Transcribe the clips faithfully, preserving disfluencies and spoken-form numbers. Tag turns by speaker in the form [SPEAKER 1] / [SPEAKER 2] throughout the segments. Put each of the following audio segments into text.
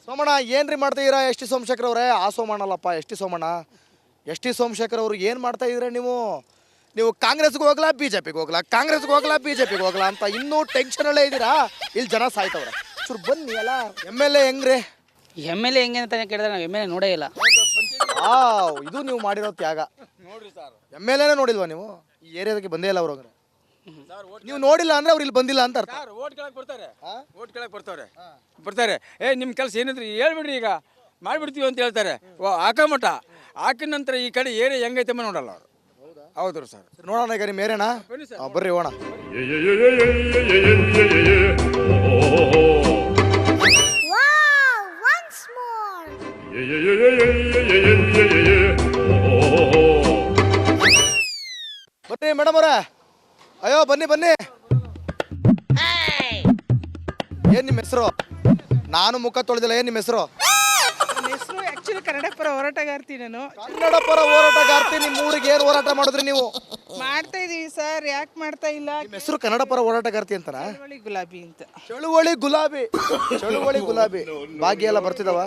[SPEAKER 1] ಸೋಮಣ್ಣ ಏನ್ರಿ ಮಾಡ್ತಾ ಇದೀರಾ ಎಸ್ ಟಿ ಸೋಮಶೇಖರ್ ಅವರೇ? ಆ ಸೋಮಣ್ಣ ಅಲ್ಲಪ್ಪ, S T Somanna. S T Somashekar ಅವರು ಏನು ಮಾಡ್ತಾ ಇದ್ರೆ ನೀವು ನೀವು ಕಾಂಗ್ರೆಸ್ಗೆ ಹೋಗ್ಲಾ ಬಿ ಜೆ ಪಿಗೆ ಹೋಗ್ಲಾ ಕಾಂಗ್ರೆಸ್ಗೆ ಹೋಗ್ಲಾ ಬಿ ಜೆ ಪಿಗೆ ಹೋಗ್ಲಾ ಅಂತ ಇನ್ನೂ ಟೆನ್ಷನಲ್ಲೇ ಇದ್ದೀರಾ? ಇಲ್ಲಿ ಜನ ಸಾಯ್ತವ್ರೆ. ಚೂರು ಬನ್ನಿ ಅಲ್ಲ. ಎಮ್ ಎಲ್ ಎ ಹೆಂಗ್ರಿ?
[SPEAKER 2] ಎಮ್ ಎಲ್ ಎ ಹೆಂಗೆ ಅಂತ ಕೇಳಿದ್ರೆ ನಾವು ಎಮ್ ಎಲ್ ಎ ನೋಡೇ ಇಲ್ಲ.
[SPEAKER 1] ಆ ಇದು ನೀವು ಮಾಡಿರೋ ತ್ಯಾಗ. ನೋಡ್ರಿ ಸರ್, ಎಮ್ ಎಲ್ ಎನೇ ನೋಡಿಲ್ವಾ ನೀವು? ಈ ಏರಿಯಾದಕ್ಕೆ ಬಂದೇ ಇಲ್ಲ ಅವ್ರು. ನೀವು ನೋಡಿಲ್ಲ ಅಂದ್ರೆ ಅವ್ರು ಇಲ್ಲಿ ಬಂದಿಲ್ಲ ಅಂತ ಅರ್ಥ.
[SPEAKER 3] ಓಟ್ ಕೇಳಕ್ ಬರ್ತಾರೆ, ಓಟ್ ಕೇಳಕ್ ಬರ್ತಾರೆ ಬರ್ತಾರೆ ಏ ನಿಮ್ಮ ಕೆಲಸ ಏನಿದ್ರಿ ಹೇಳ್ಬಿಡ್ರಿ, ಈಗ ಮಾಡಿಬಿಡ್ತೀವಿ ಅಂತ ಹೇಳ್ತಾರೆ. ಹಾಕಮಟ ಹಾಕಿದ ನಂತರ ಈ ಕಡೆ ಏರಿಯಾ ಹೆಂಗೈತೆ ನೋಡಲ್ಲ ಅವರು. ಹೌದು ಸರ್.
[SPEAKER 1] ನೋಡೋಣ ಈಗ ನಿಮ್ಮ ಏರಿಯಾನ. ಬರ್ರಿ ಹೋಣ. ಬನ್ನಿ ಮೇಡಮ್ ಅವರೇ. ಅಯ್ಯೋ ಬನ್ನಿ ಬನ್ನಿ. ಏನ್ ನಿಮ್ಮ ಹೆಸರು? ನಾನು ಮುಖ ತೊಳೆದಿಲ್ಲ. ಏನ್ ನಿಮ್ಮ ಹೆಸರು?
[SPEAKER 4] ಹೆಸರು ಆಕ್ಚುಲಿ ಕನ್ನಡ ಪರ ಹೋರಾಟಗಾರ್ತಿ. ನಾನು
[SPEAKER 1] ಕನ್ನಡ ಪರ ಹೋರಾಟಗಾರ್ತಿ. ನಿಮ್ಮ ಊರಿಗೆ ಏನು ಹೋರಾಟ ಮಾಡಿದ್ರಿ ನೀವು?
[SPEAKER 4] ಮಾಡ್ತಾ ಇದೀವಿ ಸರ್. ಯಾಕೆ ಮಾಡ್ತಾ ಇಲ್ಲ?
[SPEAKER 1] ನಿಮ್ಮ ಹೆಸರು ಕನ್ನಡ ಪರ ಹೋರಾಟಗಾರ್ತಿ ಅಂತನಾ?
[SPEAKER 4] ಚಳುವಳಿ ಗುಲಾಬಿ ಅಂತ.
[SPEAKER 1] ಚಳುವಳಿ ಗುಲಾಬಿ. ಚಳುವಳಿ ಗುಲಾಬಿ ಭಾಗ್ಯ ಎಲ್ಲ ಬರ್ತಿದವ?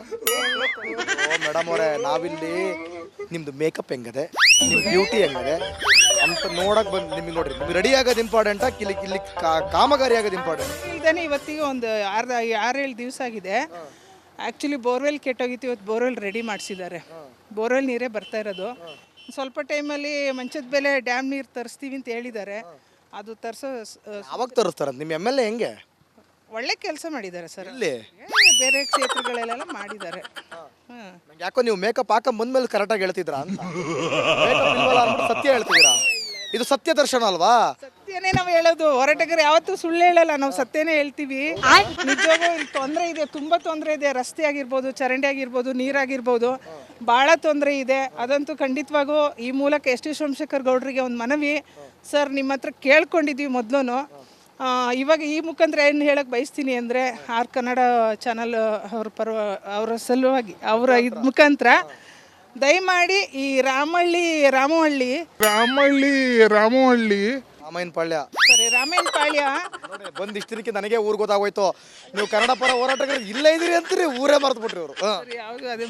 [SPEAKER 1] ಓ ಮೇಡಮ್ ಅವರೇ, ನಾವಿಲ್ಲಿ ನಿಮ್ದು ಮೇಕಪ್ ಹೆಂಗದೆ, ನಿಮ್ ಬ್ಯೂಟಿ ಹೆಂಗದೆ ಅಂತ ನೋಡಕ್ ಬಂದು ನಿಮಗೆ ನೋಡ್ರಿ. ನಿಮ್ಗೆ ರೆಡಿ ಆಗೋದು ಇಂಪಾರ್ಟೆಂಟಾ ಇಲ್ಲಿ ಇಲ್ಲಿ ಕಾಮಗಾರಿ ಆಗೋದು ಇಂಪಾರ್ಟೆಂಟ್?
[SPEAKER 4] ಇಲ್ದೇನೆ ಇವತ್ತಿಗೆ ಒಂದು ಆರು ಆರೇಳು ದಿವಸ ಆಗಿದೆ. ಆ್ಯಕ್ಚುಲಿ ಬೋರ್ವೆಲ್ ಕೆಟ್ಟೋಗಿತ್ತು. ಇವತ್ತು ಬೋರ್ವೆಲ್ ರೆಡಿ ಮಾಡಿಸಿದ್ದಾರೆ. ಬೋರ್ವೆಲ್ ನೀರೇ ಬರ್ತಾ ಇರೋದು. ಸ್ವಲ್ಪ ಟೈಮಲ್ಲಿ ಮಂಚದ ಬೆಲೆ ಡ್ಯಾಮ್ ನೀರು ತರಿಸ್ತೀವಿ ಅಂತ ಹೇಳಿದ್ದಾರೆ. ಅದು ತರಿಸೋ
[SPEAKER 1] ಅವಾಗ ತರಿಸ್ತಾರ. ನಿಮ್ಮ ಎಮ್ ಎಲ್ ಎ ಹೆಂಗೆ
[SPEAKER 4] ಒಳ್ಳೆ ಕೆಲಸ ಮಾಡಿದ್ದಾರೆ ಸರ್.
[SPEAKER 1] ಇಲ್ಲಿ
[SPEAKER 4] ಬೇರೆ ಕ್ಷೇತ್ರಗಳಲ್ಲೆಲ್ಲ ಮಾಡಿದ್ದಾರೆ. ಹಾಂ,
[SPEAKER 1] ಯಾಕೋ ನೀವು ಮೇಕಪ್ ಹಾಕೊಂಡ್ ಬಂದ್ಮೇಲೆ ಕರೆಕ್ಟಾಗಿ ಹೇಳ್ತಿದ್ರಾ ಅಂತ. ಮೇಕಪ್ ಇಲ್ವಲ್ಲ ಅಂದ್ಬಿಟ್ಟು ಸತ್ಯ ಹೇಳ್ತಿದ್ದೀರಾ. ಇದು ಸತ್ಯ ದರ್ಶನ ಅಲ್ವಾ?
[SPEAKER 4] ಸತ್ಯನೇ ನಾವು ಹೇಳೋದು. ಹೋರಾಟಗಾರ ಯಾವತ್ತೂ ಸುಳ್ಳು ಹೇಳಲ್ಲ. ನಾವು ಸತ್ಯನೇ ಹೇಳ್ತೀವಿ. ನಿಜವಾಗೂ ಇಲ್ಲಿ ತೊಂದರೆ ಇದೆ, ತುಂಬ ತೊಂದರೆ ಇದೆ. ರಸ್ತೆ ಆಗಿರ್ಬೋದು, ಚರಂಡಿ ಆಗಿರ್ಬೋದು, ನೀರಾಗಿರ್ಬೋದು, ಭಾಳ ತೊಂದರೆ ಇದೆ. ಅದಂತೂ ಖಂಡಿತವಾಗೂ ಈ ಮೂಲಕ ಎಸ್ ಟಿ ಸೋಮಶೇಖರ್ ಗೌಡರಿಗೆ ಒಂದು ಮನವಿ. ಸರ್, ನಿಮ್ಮ ಹತ್ರ ಕೇಳ್ಕೊಂಡಿದ್ದೀವಿ ಮೊದಲು. ಇವಾಗ ಈ ಮುಖಾಂತರ ಏನು ಹೇಳಕ್ಕೆ ಬಯಸ್ತೀನಿ ಅಂದರೆ, ಆರ್ ಕನ್ನಡ ಚಾನಲ್ ಅವ್ರ ಪರ್ವ ಅವರ ಸಲುವಾಗಿ ಅವರ ಇದು ಮುಖಾಂತರ ದಯಮಾಡಿ ಈ ರಾಮಹಳ್ಳಿ ರಾಮಹಳ್ಳಿ
[SPEAKER 5] ರಾಮಹಳ್ಳಿ ರಾಮಹಳ್ಳಿ
[SPEAKER 1] ರಾಮಾಯಣ ಪಾಳ್ಯ
[SPEAKER 4] ಸರಿ ರಾಮಾಯಣ ಪಾಳ್ಯ
[SPEAKER 1] ಬಂದು ಇಷ್ಟು ದಿನಕ್ಕೆ ನನಗೆ ಊರು ಗೊತ್ತಾಗೋಯ್ತು. ನೀವು ಕನ್ನಡ ಪರ ಹೋರಾಟಗಾರರು ಇಲ್ಲೇ ಇದೀರಿ ಅಂತೀರಿ, ಊರೇ ಮರ್ತು ಬಿಟ್ರಿ ಅವರು.
[SPEAKER 4] ಯಾವುದು ಅದೇ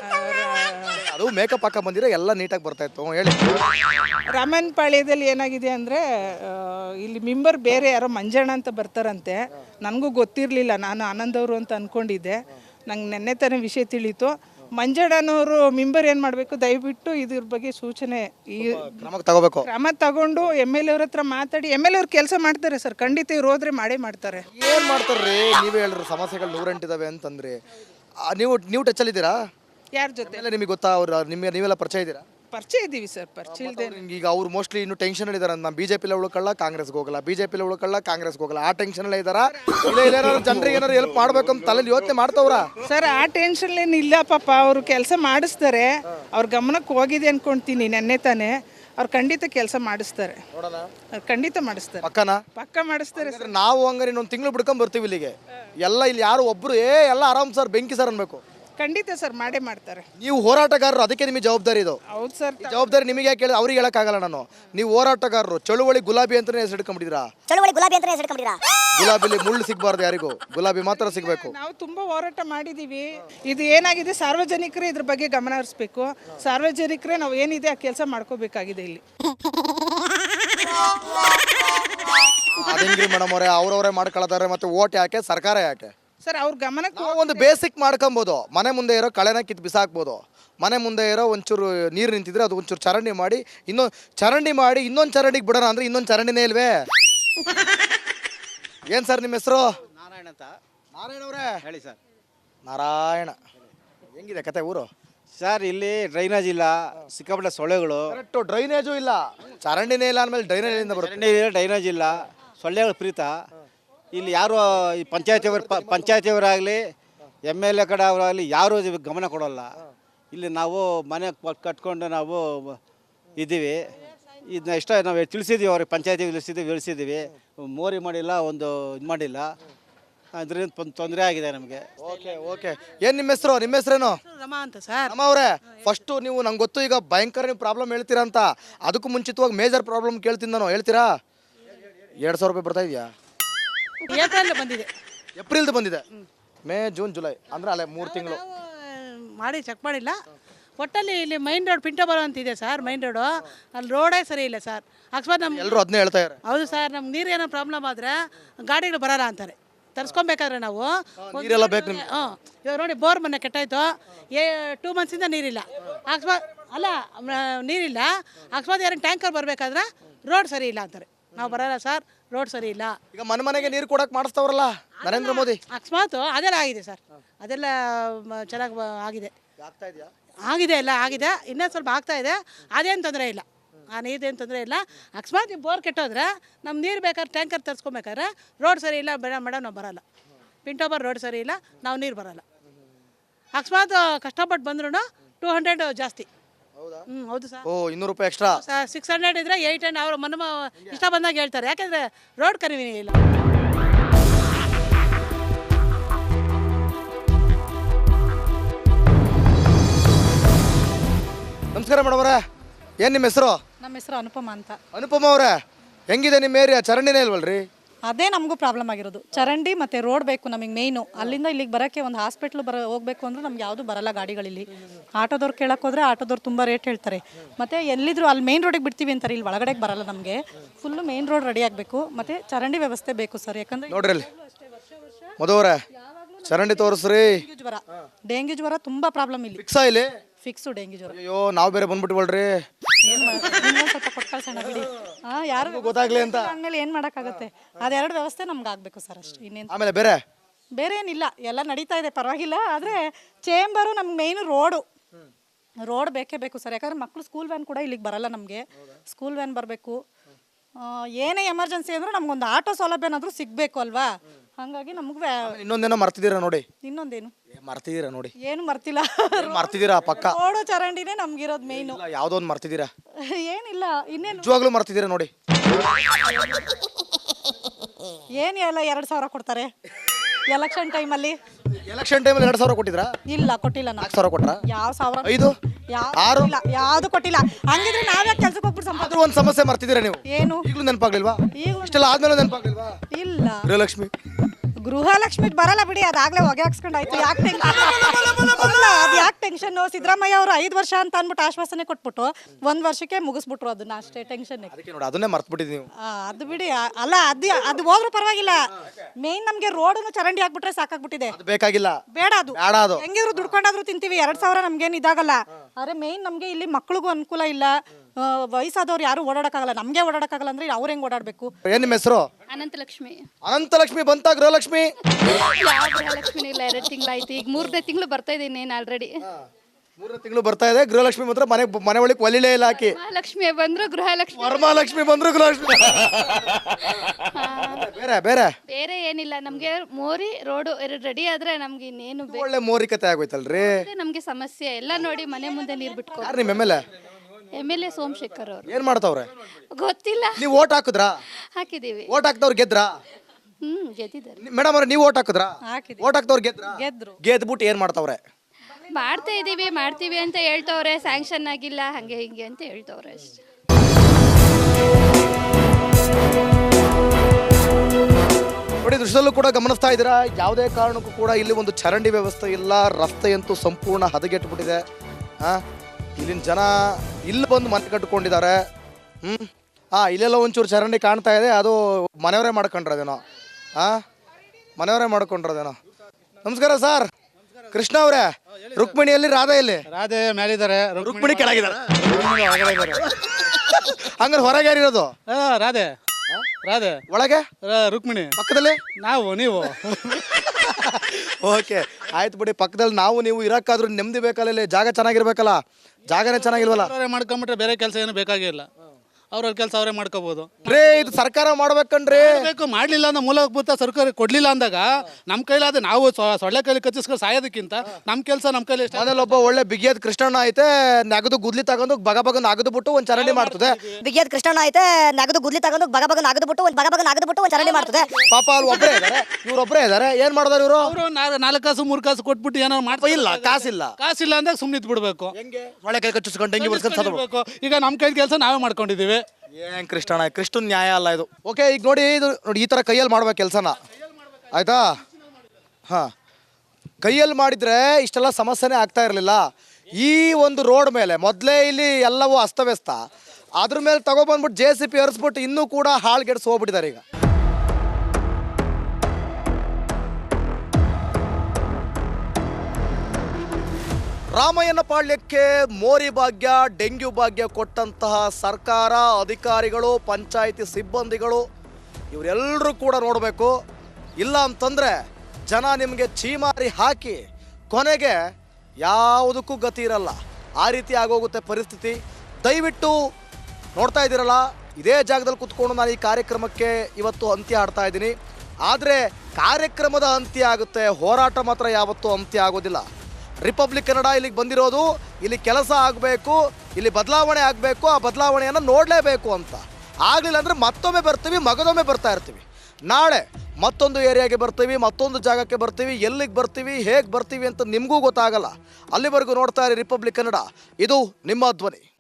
[SPEAKER 1] ಅದು ಮೇಕಪ್ ಹಾಕ ಬಂದಿರೋ ಎಲ್ಲ ನೀಟಾಗಿ ಬರ್ತಾ ಇತ್ತು. ಹೇಳಿ.
[SPEAKER 4] ರಾಮಾಯಣ ಪಾಳ್ಯದಲ್ಲಿ ಏನಾಗಿದೆ ಅಂದರೆ, ಇಲ್ಲಿ ಮೆಂಬರ್ ಬೇರೆ ಯಾರೋ ಮಂಜಣ್ಣ ಅಂತ ಬರ್ತಾರಂತೆ. ನನಗೂ ಗೊತ್ತಿರಲಿಲ್ಲ. ನಾನು ಆನಂದ್ ಅವರು ಅಂತ ಅಂದ್ಕೊಂಡಿದ್ದೆ. ನಂಗೆ ನೆನ್ನೆ ತಾನೇ ವಿಷಯ ತಿಳಿಯಿತು. ಮಂಜಣ್ಣನವರು ಮೆಂಬರ್ ಏನು ಮಾಡಬೇಕು, ದಯವಿಟ್ಟು ಇದ್ರ ಬಗ್ಗೆ ಸೂಚನೆ ಈ
[SPEAKER 1] ಕ್ರಮ ತಗೋಬೇಕು.
[SPEAKER 4] ಕ್ರಮ ತಗೊಂಡು ಎಮ್ ಎಲ್ ಎ ಅವ್ರ ಹತ್ರ ಮಾತಾಡಿ. ಎಮ್ ಎಲ್ ಎ ಅವ್ರು ಕೆಲಸ ಮಾಡ್ತಾರೆ ಸರ್. ಖಂಡಿತ ಇವ್ರು ಹೋದ್ರೆ ಮಾಡೇ ಮಾಡ್ತಾರೆ.
[SPEAKER 1] ಏನು ಮಾಡ್ತಾರ್ರಿ? ನೀವೇ ಹೇಳಿದ್ರು ಸಮಸ್ಯೆಗಳು ನೂರೆಂಟಿದಾವೆ ಅಂತಂದ್ರಿ. ನೀವು ನೀವು ಟಚಲ್ಲಿದ್ದೀರಾ?
[SPEAKER 4] ಯಾರ ಜೊತೆ?
[SPEAKER 1] ನಿಮಗೆ ಗೊತ್ತಾ ಅವ್ರು? ನಿಮಗೆ ನೀವೆಲ್ಲ ಪರಿಚಯ ಇದ್ದೀರಾ?
[SPEAKER 4] ಪರಿಚಯ ಇದ್ದೀವಿ ಸರ್. ಪರಿಚಯ ಇಲ್ಲದೆ
[SPEAKER 1] ಈಗ ಅವ್ರು ಮೋಸ್ಟ್ಲಿ ಇನ್ನು ಟೆನ್ಷನ್ ಇದ್ದಾರೆ. ನಾನು ಬಿಜೆಪಿಲ ಉಳ್ಕೊಳ್ಳ ಕಾಂಗ್ರೆಸ್ಗೆ ಹೋಗಲ್ಲ, ಬಿಜೆಪಿಲ ಉಳ್ಕೊಳ್ಳ ಕಾಂಗ್ರೆಸ್ಗೆ ಹೋಗಲ್ಲ, ಆ ಟೆನ್ಷನ್ ಎಲ್ಲ ಇದ್ದಾರಾ? ಇಲ್ಲ ಏನಾದ್ರು ಜನರಿಗೆ ಏನಾದ್ರು ಹೆಲ್ಪ್ ಮಾಡ್ಬೇಕು ಅಂತ ತಲೆಯಲ್ಲಿ ಯೋಚನೆ ಮಾಡ್ತವ್ರ?
[SPEAKER 4] ಸರ್, ಆ ಟೆನ್ಷನ್ ಏನು ಇಲ್ಲ ಪಾಪ. ಅವರು ಕೆಲಸ ಮಾಡಿಸ್ತಾರೆ. ಅವ್ರ ಗಮನಕ್ಕೆ ಹೋಗಿದೆ ಅನ್ಕೊಂತೀನಿ. ನೆನ್ನೆ ತಾನೇ ಅವ್ರು ಖಂಡಿತ ಕೆಲಸ ಮಾಡಿಸ್ತಾರೆ. ಖಂಡಿತ ಮಾಡಿಸ್ತಾರೆ.
[SPEAKER 1] ಪಕ್ಕನ
[SPEAKER 4] ಪಕ್ಕ ಮಾಡಿಸ್ತಾರೆ ಸರ್.
[SPEAKER 1] ನಾವು ಹಂಗಾರೆ ಇನ್ನೊಂದು ತಿಂಗಳು ಬಿಡ್ಕೊಂಡ್ ಬರ್ತೀವಿ ಇಲ್ಲಿಗೆ. ಎಲ್ಲ ಇಲ್ಲಿ ಯಾರು ಒಬ್ರು ಏ ಎಲ್ಲ ಆರಾಮ್ ಸರ್ ಬೆಂಕಿ ಸರ್ ಅನ್ಬೇಕು.
[SPEAKER 4] ಖಂಡಿತ ಸರ್, ಮಾಡೇ ಮಾಡ್ತಾರೆ.
[SPEAKER 1] ನೀವು ಹೋರಾಟಗಾರರು, ಅದಕ್ಕೆ ನಿಮಗೆ ಜವಾಬ್ದಾರಿ ಇದು.
[SPEAKER 4] ಹೌದು ಸರ್.
[SPEAKER 1] ಜವಾಬ್ದಾರಿ ನಿಮಗೆ ಯಾಕೆ ಹೇಳಿ ಅವ್ರಿಗೆ ಹೇಳಕ್ಕಾಗಲ್ಲ. ನಾನು ನೀವು ಹೋರಾಟಗಾರರು ಚಳುವಳಿ ಗುಲಾಬಿ ಅಂತಾನೆ ಹೆಸರು ಇಟ್ಕೊಂಡಿದ್ದೀರಾ.
[SPEAKER 6] ಚಳುವಳಿ ಗುಲಾಬಿ ಅಂತಾನೆ ಹೆಸರು ಇಟ್ಕೊಂಡಿದ್ದೀರಾ.
[SPEAKER 1] ಗುಲಾಬಿಲಿ ಮುಳ್ಳು ಸಿಗಬಾರ್ದು ಯಾರಿಗೂ, ಗುಲಾಬಿ ಮಾತ್ರ ಸಿಗಬೇಕು.
[SPEAKER 4] ನಾವು ತುಂಬಾ ಹೋರಾಟ ಮಾಡಿದೀವಿ. ಇದು ಏನಾಗಿದೆ, ಸಾರ್ವಜನಿಕರೇ ಇದ್ರ ಬಗ್ಗೆ ಗಮನ ಹರಿಸ್ಬೇಕು. ಸಾರ್ವಜನಿಕರೇ ನಾವು ಏನಿದೆ ಆ ಕೆಲಸ ಮಾಡ್ಕೋಬೇಕಾಗಿದೆ ಇಲ್ಲಿ.
[SPEAKER 1] ಅದೇಂಗ್ರಿ ಮೇಡಮ್ ಅವರೇ, ಅವ್ರವರೇ ಮಾಡ್ಕೊಳ್ತಾರೆ. ಮತ್ತೆ ಓಟ್ ಯಾಕೆ, ಸರ್ಕಾರ ಯಾಕೆ
[SPEAKER 4] ಸರ್? ಅವ್ರ ಗಮನಕ್ಕೆ
[SPEAKER 1] ಒಂದು ಬೇಸಿಕ್ ಮಾಡ್ಕೊಬೋದು. ಮನೆ ಮುಂದೆ ಇರೋ ಕಳೆನ ಕಿತ್ತು ಬಿಸಾಕ್ಬೋದು. ಮನೆ ಮುಂದೆ ಇರೋ ಒಂಚೂರು ನೀರು ನಿಂತಿದ್ರೆ ಅದು ಒಂಚೂರು ಚರಂಡಿ ಮಾಡಿ ಇನ್ನೊಂದು ಚರಂಡಿ ಮಾಡಿ ಇನ್ನೊಂದು ಚರಂಡಿಗೆ ಬಿಡೋಣ ಅಂದ್ರೆ ಇನ್ನೊಂದು ಚರಂಡಿನೇ ಇಲ್ವೇ? ಏನು ಸರ್ ನಿಮ್ಮ ಹೆಸರು?
[SPEAKER 2] ನಾರಾಯಣ ಅಂತ.
[SPEAKER 1] ನಾರಾಯಣ ಅವರೇ
[SPEAKER 2] ಹೇಳಿ ಸರ್.
[SPEAKER 1] ನಾರಾಯಣ, ಹೆಂಗಿದೆ ಕತೆ ಊರು?
[SPEAKER 2] ಸರ್, ಇಲ್ಲಿ ಡ್ರೈನೇಜ್ ಇಲ್ಲ, ಸಿಕ್ಕಾಪಟ್ಟೆ ಸೊಳ್ಳೆಗಳು.
[SPEAKER 1] ಕರೆಕ್ಟು, ಡ್ರೈನೇಜು ಇಲ್ಲ, ಚರಂಡಿನೇ ಇಲ್ಲ ಅಂದಮೇಲೆ ಡ್ರೈನೇಜಿಂದ ಬರುತ್ತೆ.
[SPEAKER 2] ಚರಂಡಿ ಇಲ್ಲ, ಡ್ರೈನೇಜ್ ಇಲ್ಲ, ಸೊಳ್ಳೆಗಳು ಪ್ರೀತ. ಇಲ್ಲಿ ಯಾರು ಈ ಪಂಚಾಯತಿಯವರು ಪಂಚಾಯತಿಯವರಾಗಲಿ ಎಮ್ ಎಲ್ ಎ ಕಡೆ ಅವರಾಗಲಿ ಯಾರೂ ಗಮನ ಕೊಡೋಲ್ಲ. ಇಲ್ಲಿ ನಾವು ಮನೆ ಕಟ್ಕೊಂಡು ನಾವು ಇದ್ದೀವಿ. ಇದನ್ನ ಇಷ್ಟ ನಾವು ತಿಳಿಸಿದ್ದೀವಿ, ಅವ್ರಿಗೆ ಪಂಚಾಯತಿಗೆ ತಿಳಿಸಿದ್ದೀವಿ ತಿಳಿಸಿದ್ದೀವಿ ಮೋರಿ ಮಾಡಿಲ್ಲ, ಒಂದು ಇದು ಮಾಡಿಲ್ಲ. ಅದರಿಂದ ತೊಂದರೆ ಆಗಿದೆ ನಮಗೆ.
[SPEAKER 1] ಓಕೆ ಓಕೆ ಏನು ನಿಮ್ಮ ಹೆಸರು? ನಿಮ್ಮ ಹೆಸರೇನು?
[SPEAKER 4] ರಮಾ ಅಂತ ಸರ್.
[SPEAKER 1] ರಮಾ ಅವರೇ, ಫಸ್ಟು ನೀವು ನಂಗೆ ಗೊತ್ತು ಈಗ ಭಯಂಕರ ನೀವು ಪ್ರಾಬ್ಲಮ್ ಹೇಳ್ತೀರಾ ಅಂತ. ಅದಕ್ಕೂ ಮುಂಚಿತವಾಗಿ ಮೇಜರ್ ಪ್ರಾಬ್ಲಮ್ ಕೇಳ್ತೀನಿ ನಾನು. ಹೇಳ್ತೀರಾ? ಎರಡು ಸಾವಿರ ರೂಪಾಯಿ ಬರ್ತಾ ಇದೆಯಾ?
[SPEAKER 4] ಏಪ್ರಿಲ್ ಬಂದಿದೆ.
[SPEAKER 1] ಏಪ್ರಿಲ್ದು ಬಂದಿದೆ. ಮೇ ಜೂನ್ ಜುಲೈ ಅಂದ್ರೆ ಅಲ್ಲೇ ಮೂರು ತಿಂಗಳು.
[SPEAKER 6] ನಾವು ಮಾಡಿ ಚೆಕ್ ಮಾಡಿಲ್ಲ. ಒಟ್ಟಲ್ಲಿ ಇಲ್ಲಿ ಮೈನ್ ರೋಡ್ ಪಿಂಟೋಬರ ಅಂತ ಇದೆ ಸರ್, ಮೈನ್ ರೋಡು ಅಲ್ಲಿ ರೋಡೇ ಸರಿ ಇಲ್ಲ ಸರ್. ಅಕಸ್ಮಾತ್ ನಮ್ಮ
[SPEAKER 1] ಎಲ್ಲರೂ ಅದನ್ನೇ ಹೇಳ್ತಾ ಇದ್ದಾರೆ.
[SPEAKER 6] ಹೌದು ಸರ್, ನಮ್ಗೆ ನೀರು ಏನೋ ಪ್ರಾಬ್ಲಮ್ ಆದರೆ ಗಾಡಿಗಳು ಬರಲ್ಲ ಅಂತಾರೆ. ತರಿಸ್ಕೊಬೇಕಾದ್ರೆ ನಾವು
[SPEAKER 1] ನೀರೆಲ್ಲ ಬೇಕು ನಿಮ್ಗೆ.
[SPEAKER 6] ಹಾಂ, ಇವಾಗ ನೋಡಿ ಬೋರ್ ಮೊನ್ನೆ ಕೆಟ್ಟಾಯ್ತು, ಏ ಟೂ ಮಂತ್ಸಿಂದ ನೀರಿಲ್ಲ. ಅಕಸ್ಮಾತ್ ಅಲ್ಲ ಮ- ನೀರಿಲ್ಲ, ಅಕಸ್ಮಾತ್ ಯಾರು ಟ್ಯಾಂಕರ್ ಬರಬೇಕಾದ್ರೆ ರೋಡ್ ಸರಿ ಇಲ್ಲ ಅಂತಾರೆ. ನಾವು ಬರಲ್ಲ ಸರ್, ರೋಡ್ ಸರಿ ಇಲ್ಲ.
[SPEAKER 1] ಈಗ ಮನೆ ಮನೆಗೆ ನೀರು ಕೊಡಕ್ಕೆ ಮಾಡಿಸ್ತವ್ರಲ್ಲ ನರೇಂದ್ರ ಮೋದಿ.
[SPEAKER 6] ಅಕಸ್ಮಾತ್ ಅದೆಲ್ಲ ಆಗಿದೆ ಸರ್, ಅದೆಲ್ಲ ಚೆನ್ನಾಗಿ ಆಗಿದೆ
[SPEAKER 1] ಆಗ್ತಾ ಇದೆಯಾ?
[SPEAKER 6] ಆಗಿದೆ ಎಲ್ಲ ಆಗಿದೆ, ಇನ್ನೂ ಸ್ವಲ್ಪ ಆಗ್ತಾ ಇದೆ. ಅದೇನು ತೊಂದರೆ ಇಲ್ಲ, ಆ ನೀರ್ದೇನು ತೊಂದರೆ ಇಲ್ಲ. ಅಕಸ್ಮಾತ್ ಈ ಬೋರ್ ಕೆಟ್ಟೋದ್ರೆ ನಮ್ಮ ನೀರು ಬೇಕಾದ್ರೆ ಟ್ಯಾಂಕರ್ ತರಿಸ್ಕೊಬೇಕಾದ್ರೆ ರೋಡ್ ಸರಿ ಇಲ್ಲ ಬೇಡ ಮೇಡಮ್, ನಾವು ಬರೋಲ್ಲ. ಪಿಂಟೋಬರ್ ರೋಡ್ ಸರಿ ಇಲ್ಲ, ನಾವು ನೀರು ಬರೋಲ್ಲ. ಅಕಸ್ಮಾತ್ ಕಷ್ಟಪಟ್ಟು ಬಂದ್ರೂ ಟೂ ಹಂಡ್ರೆಡ್ ಜಾಸ್ತಿ. ಹ್ಞೂ ಹೌದು ಸರ್.
[SPEAKER 1] ಓ ಇನ್ನೂರು ರೂಪಾಯಿ ಎಕ್ಸ್ಟ್ರಾ.
[SPEAKER 6] ಸಿಕ್ಸ್ ಹಂಡ್ರೆಡ್ ಇದ್ರೆ ಏಯ್ಟ್ ಹಂಡ್ರೆಡ್ ಅವರು ಮನ ಇಷ್ಟ ಬಂದಾಗ ಹೇಳ್ತಾರೆ, ಯಾಕೆಂದರೆ ರೋಡ್ ಕರಿವಿ ಇಲ್ಲ.
[SPEAKER 1] ನಮಸ್ಕಾರ ಮೇಡಮ್ ಅವರೇ, ಏನು ನಿಮ್ಮ ಹೆಸರು?
[SPEAKER 7] ನಮ್ಮ ಹೆಸರು ಅನುಪಮ ಅಂತ.
[SPEAKER 1] ಅನುಪಮ ಅವರೇ, ಹೆಂಗಿದೆ ನಿಮ್ಮ ಏರಿಯಾ? ಚರಂಡಿನೇ ಇಲ್ವಲ್ರಿ?
[SPEAKER 7] ಅದೇ ನಮಗೂ ಪ್ರಾಬ್ಲಮ್ ಆಗಿರೋದು, ಚರಂಡಿ ಮತ್ತು ರೋಡ್ ಬೇಕು ನಮಗೆ ಮೇಯ್ನು. ಅಲ್ಲಿಂದ ಇಲ್ಲಿಗೆ ಬರೋಕ್ಕೆ ಒಂದು ಹಾಸ್ಪಿಟ್ಲ್ ಬರ ಹೋಗಬೇಕು ಅಂದ್ರೆ ನಮ್ಗೆ ಯಾವುದು ಬರಲ್ಲ ಗಾಡಿಗಳಿಲ್ಲಿ. ಆಟೋದವ್ರು ಕೇಳಕ್ಕೆ ಹೋದ್ರೆ ಆಟೋದವ್ರು ತುಂಬ ರೇಟ್ ಹೇಳ್ತಾರೆ. ಮತ್ತು ಎಲ್ಲಿದ್ರು ಅಲ್ಲಿ ಮೇನ್ ರೋಡಿಗೆ ಬಿಡ್ತೀವಿ ಅಂತಾರೆ, ಇಲ್ಲಿ ಒಳಗಡೆಗೆ ಬರಲ್ಲ ನಮಗೆ. ಫುಲ್ಲು ಮೇನ್ ರೋಡ್ ರೆಡಿ ಆಗಬೇಕು, ಮತ್ತು ಚರಂಡಿ ವ್ಯವಸ್ಥೆ ಬೇಕು ಸರ್. ಯಾಕಂದರೆ
[SPEAKER 1] ನೋಡ್ರಿ ಅಲ್ಲಿ ಮಧುವರೇ, ಚರಂಡಿ ತೋರಿಸ್ರಿ.
[SPEAKER 7] ಡೆಂಗ್ಯೂ ಜ್ವರ ಡೆಂಗ್ಯೂ ಜ್ವರ ತುಂಬ ಪ್ರಾಬ್ಲಮ್ ಇಲ್ಲಿ.
[SPEAKER 1] ಫಿಕ್ಸಾ ಇಲ್ಲಿ?
[SPEAKER 7] ಫಿಕ್ಸು ಡೆಂಗ್ಯೂ ಜ್ವರ.
[SPEAKER 1] ಅಯ್ಯೋ ನಾವು ಬೇರೆ ಬಂದ್ಬಿಟ್ವಲ್ರಿ.
[SPEAKER 7] ಏನು ಮಾಡೋದು, ಸ್ವಲ್ಪ ಕೊಟ್ಟು ಕಳ್ಸೋಣ ಬಿಡಿ. ಹಾಂ, ಯಾರು
[SPEAKER 1] ಗೊತ್ತಾಗ್ಲಿ ಅಂತ
[SPEAKER 7] ಆಮೇಲೆ ಏನು ಮಾಡೋಕ್ಕಾಗತ್ತೆ. ಅದೆರಡು ವ್ಯವಸ್ಥೆ ನಮ್ಗೆ ಆಗಬೇಕು ಸರ್, ಅಷ್ಟೇ. ಇನ್ನೇನು
[SPEAKER 1] ಆಮೇಲೆ ಬೇರೆ
[SPEAKER 7] ಬೇರೆ ಏನಿಲ್ಲ, ಎಲ್ಲ ನಡೀತಾ ಇದೆ ಪರವಾಗಿಲ್ಲ. ಆದರೆ ಚೇಂಬರು ನಮ್ಗೆ ಮೇಯ್ನು ರೋಡು ರೋಡ್ ಬೇಕೇ ಬೇಕು ಸರ್. ಯಾಕಂದ್ರೆ ಮಕ್ಕಳು ಸ್ಕೂಲ್ ವ್ಯಾನ್ ಕೂಡ ಇಲ್ಲಿಗೆ ಬರಲ್ಲ ನಮಗೆ. ಸ್ಕೂಲ್ ವ್ಯಾನ್ ಬರಬೇಕು. ಏನೇ ಎಮರ್ಜೆನ್ಸಿ ಅಂದರೂ ನಮ್ಗೊಂದು ಆಟೋ ಸೌಲಭ್ಯನಾದರೂ ಸಿಗಬೇಕು ಅಲ್ವಾ. ಹಾಗಾಗಿ ನಮ್ಗೆ
[SPEAKER 1] ಇನ್ನೊಂದೇನೋ ಮರ್ತಿದ್ದೀರಾ ನೋಡಿ.
[SPEAKER 7] ಇನ್ನೊಂದೇನು
[SPEAKER 1] ಏ, ಮರ್ತಿದ್ದೀರಾ ನೋಡಿ.
[SPEAKER 7] ಏನು ಮರ್ತಿಲ್ಲ,
[SPEAKER 1] ಏನ್ ಮರ್ತಿದ್ದೀರಾ ಪಕ್ಕ?
[SPEAKER 7] ರೋಡು ಚರಂಡಿನೇ ನಮ್ಗಿರೋದು ಮೇಯ್ನು.
[SPEAKER 1] ಇಲ್ಲ, ಯಾವುದೋ ಒಂದು ಮರ್ತಿದ್ದೀರಾ.
[SPEAKER 7] ಏನಿಲ್ಲ, ಇನ್ನೇನು
[SPEAKER 1] ನಿಜವಾಗ್ಲೂ ಮರ್ತಿದ್ದೀರಾ ನೋಡಿ.
[SPEAKER 7] ಏನು ಎಲ್ಲ ಎರಡು ಸಾವಿರ ಕೊಡ್ತಾರೆ ಎಲೆಕ್ಷನ್ ಟೈಮಲ್ಲಿ.
[SPEAKER 1] ಎಲೆಕ್ಷನ್ ಟೈಮಲ್ಲಿ ಎರಡು ಸಾವಿರ ಕೊಟ್ಟಿದ್ರಾ?
[SPEAKER 7] ಇಲ್ಲ, ಕೊಟ್ಟಿಲ್ಲ ನಾವು.
[SPEAKER 1] ನಾಲ್ಕು ಸಾವಿರ ಕೊಟ್ರಾ?
[SPEAKER 7] ಯಾವ ಸಾವಿರ?
[SPEAKER 1] ಐದು ಆರು?
[SPEAKER 7] ಇಲ್ಲ, ಯಾವುದು ಕೊಟ್ಟಿಲ್ಲ. ಹಂಗಿದ್ರೆ ನಾವೇ ಕೆಲ್ಸಕ್ಕೆ ಹೋಗ್ಬಿಟ್ಟು ಸಂಪಾದ.
[SPEAKER 1] ಆದ್ರೂ ಒಂದು ಸಮಸ್ಯೆ ಮರ್ತಿದ್ದೀರಾ ನೀವು.
[SPEAKER 7] ಏನು?
[SPEAKER 1] ಈಗಲೂ ನೆನಪಾಗ್ಲಿಲ್ವಾ?
[SPEAKER 7] ಈಗಲೂ
[SPEAKER 1] ಇಷ್ಟೆಲ್ಲ ಆದ್ಮೇಲೆ ನೆನಪಾಗ್ಲಿಲ್ವಾ?
[SPEAKER 7] ಇಲ್ಲ,
[SPEAKER 1] ಗೃಹಲಕ್ಷ್ಮಿ
[SPEAKER 7] ಗೃಹಲಕ್ಷ್ಮಿ ಬರಲ್ಲ ಬಿಡಿ, ಅದಾಗಲೇ ಹೊಗೆ ಹಾಕ್ಸ್ಕೊಂಡಾಯ್ತು. ಯಾಕೆ ಟೆನ್ಷನ್? ಅದು ಯಾಕೆ ಟೆನ್ಷನ್ನು? ಸಿದ್ದರಾಮಯ್ಯ ಅವರು ಐದು ವರ್ಷ ಅಂತ ಅಂದ್ಬಿಟ್ಟು ಆಶ್ವಾಸನೆ ಕೊಟ್ಬಿಟ್ಟು ಒಂದು ವರ್ಷಕ್ಕೆ ಮುಗಿಸ್ಬಿಟ್ರು ಅದನ್ನ, ಅಷ್ಟೇ ಟೆನ್ಷನ್.
[SPEAKER 1] ಅದಕ್ಕೆ ನೋಡಿ ಅದನ್ನೇ ಮರ್ತ್ಬಿಟ್ಟಿದ್ದೀವಿ ನೀವು.
[SPEAKER 7] ಅದು ಬಿಡಿ, ಆ- ಅಲ್ಲ ಅದು ಅದು ಹೋದ್ರೂ ಪರವಾಗಿಲ್ಲ. ಮೇನ್ ನಮಗೆ ರೋಡನ್ನು ಚರಂಡಿ ಹಾಕ್ಬಿಟ್ರೆ ಸಾಕಾಗ್ಬಿಟ್ಟಿದೆ.
[SPEAKER 1] ಅದು ಬೇಕಾಗಿಲ್ಲ,
[SPEAKER 7] ಬೇಡ ಅದು
[SPEAKER 1] ಬೇಡ ಅದು.
[SPEAKER 7] ಹೆಂಗಿದ್ರು ದುಡ್ಕೊಂಡಾದ್ರೂ ತಿಂತೀವಿ. ಎರಡ್ ಸಾವಿರ ನಮ್ಗೇನು ಇದಾಗಲ್ಲ. ಆದ್ರೆ ಮೇನ್ ನಮ್ಗೆ ಇಲ್ಲಿ ಮಕ್ಳಿಗೂ ಅನುಕೂಲ ಇಲ್ಲ. ಆ, ವಯಸ್ಸಾದವ್ರು ಯಾರು ಓಡಾಡಕ್ಕಾಗಲ್ಲ. ನಮ್ಗೆ ಓಡಾಡಕ್ಕಾಗಲ್ಲ ಅಂದ್ರೆ ಅವ್ರು ಹೆಂಗ್ ಓಡಾಡ್ಬೇಕು?
[SPEAKER 1] ಏನ್ ನಿಮ್ಮ ಹೆಸರು?
[SPEAKER 8] ಅನಂತಲಕ್ಷ್ಮಿ.
[SPEAKER 1] ಅನಂತಲಕ್ಷ್ಮಿ ಬಂತ ಗೃಹಲಕ್ಷ್ಮಿ?
[SPEAKER 8] ಯಾವ ಗೃಹಲಕ್ಷ್ಮಿ ಇಲ್ಲ, ಎರಡು ತಿಂಗಳಾಯ್ತು. ಈಗ ಮೂರನೇ ತಿಂಗಳು ಬರ್ತಾ ಇದೆ ಇನ್ನೇನು ಆಲ್ರೆಡಿ.
[SPEAKER 1] ಮೂರನೇ ತಿಂಗಳು ಬರ್ತಾ ಇದೆ. ಗೃಹಲಕ್ಷ್ಮಿ ಮಾತ್ರ ಮನೆ ಮನೆ ಒಳಗೆ ಒಲಿಲೇ ಇಲ್ಲ ಹಾಕಿ.
[SPEAKER 8] ಮಹಾಲಕ್ಷ್ಮಿ ಬಂದ್ರು ಗೃಹಲಕ್ಷ್ಮಿ.
[SPEAKER 1] ವರಮಹಾಲಕ್ಷ್ಮಿ ಬಂದ್ರು ಗೃಹಲಕ್ಷ್ಮಿ. ಬೇರೆ ಬೇರೆ
[SPEAKER 8] ಬೇರೆ ಏನಿಲ್ಲ, ನಮ್ಗೆ ಮೋರಿ ರೋಡು ಎರಡು ರೆಡಿ ಆದ್ರೆ ನಮ್ಗೆ ಇನ್ನೇನು ಬೇಕು.
[SPEAKER 1] ಒಳ್ಳೆ ಮೋರಿಕತೆ ಆಗೋಯ್ತಲ್ರಿ.
[SPEAKER 8] ನಮ್ಗೆ ಸಮಸ್ಯೆ ಎಲ್ಲ ನೋಡಿ ಮನೆ ಮುಂದೆ ನೀರ್ ಬಿಟ್ಕೊ.
[SPEAKER 1] ಯಾರು ನಿಮ್ಮ M L A?
[SPEAKER 8] M L A Somashekar ಅವರು.
[SPEAKER 1] ಏನ್ ಮಾಡ್ತಾವ್ರೆ?
[SPEAKER 8] ಗೊತ್ತಿಲ್ಲ.
[SPEAKER 1] ನೀವು ಓಟ್ ಹಾಕಿದ್ರಾ?
[SPEAKER 8] ಹಾಕಿದೀವಿ.
[SPEAKER 1] ಓಟ್ ಹಾಕ್ದವ್ರು ಗೆದ್ರಾ?
[SPEAKER 8] ಹ್ಮ್ ಗೆದ್ದಿದ್ದಾರೆ.
[SPEAKER 1] ಮೇಡಮ್ ಅವ್ರೆ, ನೀವು ಓಟ್ ಹಾಕಿದ್ರಾ?
[SPEAKER 7] ಹಾಕಿದ್ವಿ.
[SPEAKER 1] ಓಟ್ ಹಾಕ್ದವ್ರು ಗೆದ್ರಾ?
[SPEAKER 7] ಗೆದ್ರು.
[SPEAKER 1] ಗೆದ್ಬಿಟ್ಟು ಏನ್ ಮಾಡ್ತಾವ್ರೆ?
[SPEAKER 8] ಮಾಡ್ತಾ ಇದೀವಿ ಮಾಡ್ತೀವಿ ಅಂತ ಹೇಳ್ತವ್ರೆ, ಸ್ಯಾಂಕ್ಷನ್ ಆಗಿಲ್ಲ ಹಂಗೆ ಹಿಂಗೆ ಅಂತ ಹೇಳ್ತವ್ರೆ ಅಷ್ಟೇ.
[SPEAKER 1] ನೋಡಿ, ದೃಶ್ಯದಲ್ಲೂ ಕೂಡ ಗಮನಿಸ್ತಾ ಇದ್ದೀರಾ, ಯಾವುದೇ ಕಾರಣಕ್ಕೂ ಕೂಡ ಇಲ್ಲಿ ಒಂದು ಚರಂಡಿ ವ್ಯವಸ್ಥೆ ಇಲ್ಲ. ರಸ್ತೆಯಂತೂ ಸಂಪೂರ್ಣ ಹದಗೆಟ್ಬಿಟ್ಟಿದೆ. ಆ ಇಲ್ಲಿನ ಜನ ಇಲ್ಲಿ ಬಂದು ಮನೆ ಕಟ್ಕೊಂಡಿದ್ದಾರೆ. ಹ್ಮ್ ಆ ಇಲ್ಲೆಲ್ಲ ಒಂಚೂರು ಚರಂಡಿ ಕಾಣ್ತಾ ಇದೆ, ಅದು ಮನೆಯವರೇ ಮಾಡ್ಕೊಂಡ್ರದೇನೋ. ಆ ಮನೆಯವರೇ ಮಾಡ್ಕೊಂಡ್ರದೇನೋ. ನಮಸ್ಕಾರ ಸರ್. ಕೃಷ್ಣ ಅವರೇ, ರುಕ್ಮಿಣಿಯಲ್ಲಿ ರಾಧಾ ಎಲ್ಲಿ?
[SPEAKER 2] ರಾಧೆ ಮೇಲಿದ್ದಾರೆ,
[SPEAKER 1] ರುಕ್ಮಿಣಿ ಕೆಳಗಿದ್ದಾರೆ. ಹಂಗಾರೆ ಹೊರಗೆ ಯಾರಿರೋದು?
[SPEAKER 2] ರಾಧೆ ರಾಧೆ
[SPEAKER 1] ಒಳಗೆ
[SPEAKER 2] ರುಕ್ಮಿಣಿ
[SPEAKER 1] ಪಕ್ಕದಲ್ಲಿ
[SPEAKER 2] ನಾವು ನೀವು.
[SPEAKER 1] ಓಕೆ, ಆಯ್ತು ಬಿಡಿ. ಪಕ್ಕದಲ್ಲಿ ನಾವು ನೀವು ಇರಕ್ಕಾದ್ರೂ ನೆಮ್ಮದಿ ಬೇಕಲ್ಲ, ಇಲ್ಲಿ ಜಾಗ ಚೆನ್ನಾಗಿರ್ಬೇಕಲ್ಲ. ಜಾಗನೇ ಚೆನ್ನಾಗಿಲ್ವಲ್ಲ.
[SPEAKER 9] ಅವರೇ ಮಾಡ್ಕೊಂಬಿಟ್ರೆ ಬೇರೆ ಕೆಲಸ ಏನು ಬೇಕಾಗಿಲ್ಲ. ಅವ್ರವ್ರ ಕೆಲಸ ಅವರೇ ಮಾಡ್ಕೋಬಹುದು.
[SPEAKER 1] ರೇ, ಇದು ಸರ್ಕಾರ ಮಾಡ್ಬೇಕನ್ರಿ.
[SPEAKER 9] ಬೇಕು ಮಾಡಲಿಲ್ಲ ಅಂದ್ರೆ ಮೂಲಭೂತ ಸರ್ಕಾರ ಕೊಡ್ಲಿಲ್ಲ ಅಂದಾಗ ನಮ್ಮ ಕೈಲಾದ ನಾವು ಸೊ- ಸೊಳ್ಳೆ ಕೈಲಿ ಕಚ್ಚಿಸ್ಕೊಂಡು ಸಾಯೋದಕ್ಕಿಂತ ನಮ್ಮ ಕೆಲಸ ನಮ್ಮ ಕೈಲಿ ಎಷ್ಟು.
[SPEAKER 1] ಮನೇಲಿ ಒಬ್ಬ ಒಳ್ಳೆ ಬಿಗಿಯದ್ ಕೃಷ್ಣಣ್ಣ ಐತೆ, ನಗದು ಗುದ್ಲಿ ತಗೊಂಡು ಬಗ ಬಗ ನಗದು ಬಿಟ್ಟು ಒಂದ್ ಚರಂಡಿ ಮಾಡ್ತದೆ.
[SPEAKER 10] ಬಿಗಿಯದ್ ಕೃಷ್ಣಣ್ಣ ಐತೆ, ನಗದು ಗುದ್ಲಿ ತಗೊಂಡು ಬಗ ಬಗ ನಗದು ಬಿಟ್ಟು ಒಂದ್ ಬಗ ಬಗ ನಗದು ಬಿಟ್ಟು ಒಂದ್ ಚರಂಡಿ ಮಾಡ್ತದೆ.
[SPEAKER 1] ಪಾಪ ಅಲ್ಲಿ ಒಬ್ಬರೇ ಇದಾರೆ, ಇವ್ರೊಬ್ಬರೇ ಇದಾರೆ. ಏನ್ ಮಾಡಿದಾರೆ ಇವರು?
[SPEAKER 9] ಅವರು ನಾಲ್ಕು ಕಾಸು ಮೂರು ಕಾಸು ಕೊಟ್ಬಿಟ್ಟು ಏನೋ ಮಾಡ್ತಾ
[SPEAKER 1] ಇಲ್ಲ, ಕಾಸಿಲ್ಲ.
[SPEAKER 9] ಕಾಸಿಲ್ಲ ಅಂದಾಗ ಸುಮ್ಮನೆ ಇದ್ಬಿಡ್ಬೇಕು.
[SPEAKER 1] ಒಳ್ಳೆ ಕೈ ಕಚ್ಚಿಸ್ಕೊಂಡು ಹೆಂಗಿ ಬರ್ಸ್ಕೊಂಡು ಸತ್ತೋಗ್ಬೇಕು.
[SPEAKER 9] ಈಗ ನಮ್ಮ ಕೈ ಕೆಲಸ ನಾವೇ ಮಾಡ್ಕೊಂಡಿದೀವಿ.
[SPEAKER 1] ಏನ್ ಕೃಷ್ಣಣ್ಣ, ಕೃಷ್ಣನ್ ನ್ಯಾಯ ಅಲ್ಲ ಇದು. ಓಕೆ, ಈಗ ನೋಡಿ, ಇದು ನೋಡಿ, ಈ ತರ ಕೈಯಲ್ಲಿ ಮಾಡ್ಬೇಕು ಕೆಲ್ಸನ, ಆಯ್ತಾ? ಹಾ, ಕೈಯಲ್ಲಿ ಮಾಡಿದರೆ ಇಷ್ಟೆಲ್ಲ ಸಮಸ್ಯೆನೇ ಆಗ್ತಾ ಇರಲಿಲ್ಲ. ಈ ಒಂದು ರೋಡ್ ಮೇಲೆ ಮೊದಲೇ ಇಲ್ಲಿ ಎಲ್ಲವೂ ಅಸ್ತವ್ಯಸ್ತ, ಅದ್ರ ಮೇಲೆ ತಗೊಬಂದ್ಬಿಟ್ಟು ಜೆ ಸಿ ಪಿ ಹರಿಸ್ಬಿಟ್ಟು ಇನ್ನೂ ಕೂಡ ಹಾಳ್ಗೆಡ್ಸಿ ಹೋಗ್ಬಿಟ್ಟಿದ್ದಾರೆ ಈಗ. ರಾಮಯ್ಯನ ಪಾಳ್ಯಕ್ಕೆ ಮೋರಿ ಭಾಗ್ಯ, ಡೆಂಗ್ಯೂ ಭಾಗ್ಯ ಕೊಟ್ಟಂತಹ ಸರ್ಕಾರ, ಅಧಿಕಾರಿಗಳು, ಪಂಚಾಯಿತಿ ಸಿಬ್ಬಂದಿಗಳು ಇವರೆಲ್ಲರೂ ಕೂಡ ನೋಡಬೇಕು. ಇಲ್ಲ ಅಂತಂದರೆ ಜನ ನಿಮಗೆ ಚೀಮಾರಿ ಹಾಕಿ ಕೊನೆಗೆ ಯಾವುದಕ್ಕೂ ಗತಿ ಇರಲ್ಲ. ಆ ರೀತಿ ಆಗೋಗುತ್ತೆ ಪರಿಸ್ಥಿತಿ. ದಯವಿಟ್ಟು ನೋಡ್ತಾ ಇದ್ದೀರಲ್ಲ, ಇದೇ ಜಾಗದಲ್ಲಿ ಕೂತ್ಕೊಂಡು ನಾನು ಈ ಕಾರ್ಯಕ್ರಮಕ್ಕೆ ಇವತ್ತು ಅಂತ್ಯ ಹಾಡ್ತಾ ಇದ್ದೀನಿ. ಆದರೆ ಕಾರ್ಯಕ್ರಮದ ಅಂತ್ಯ ಆಗುತ್ತೆ, ಹೋರಾಟ ಮಾತ್ರ ಯಾವತ್ತೂ ಅಂತ್ಯ ಆಗೋದಿಲ್ಲ. ರಿಪಬ್ಲಿಕ್ ಕನ್ನಡ ಇಲ್ಲಿಗೆ ಬಂದಿರೋದು ಇಲ್ಲಿ ಕೆಲಸ ಆಗಬೇಕು, ಇಲ್ಲಿ ಬದಲಾವಣೆ ಆಗಬೇಕು, ಆ ಬದಲಾವಣೆಯನ್ನು ನೋಡಲೇಬೇಕು ಅಂತ. ಆಗಲಿಲ್ಲ ಅಂದರೆ ಮತ್ತೊಮ್ಮೆ ಬರ್ತೀವಿ, ಮಗದೊಮ್ಮೆ ಬರ್ತಾ ಇರ್ತೀವಿ. ನಾಳೆ ಮತ್ತೊಂದು ಏರಿಯಾಗೆ ಬರ್ತೀವಿ, ಮತ್ತೊಂದು ಜಾಗಕ್ಕೆ ಬರ್ತೀವಿ. ಎಲ್ಲಿಗೆ ಬರ್ತೀವಿ, ಹೇಗೆ ಬರ್ತೀವಿ ಅಂತ ನಿಮಗೂ ಗೊತ್ತಾಗಲ್ಲ. ಅಲ್ಲಿವರೆಗೂ ನೋಡ್ತಾ ಇರಿ ರಿಪಬ್ಲಿಕ್ ಕನ್ನಡ. ಇದು ನಿಮ್ಮ ಧ್ವನಿ.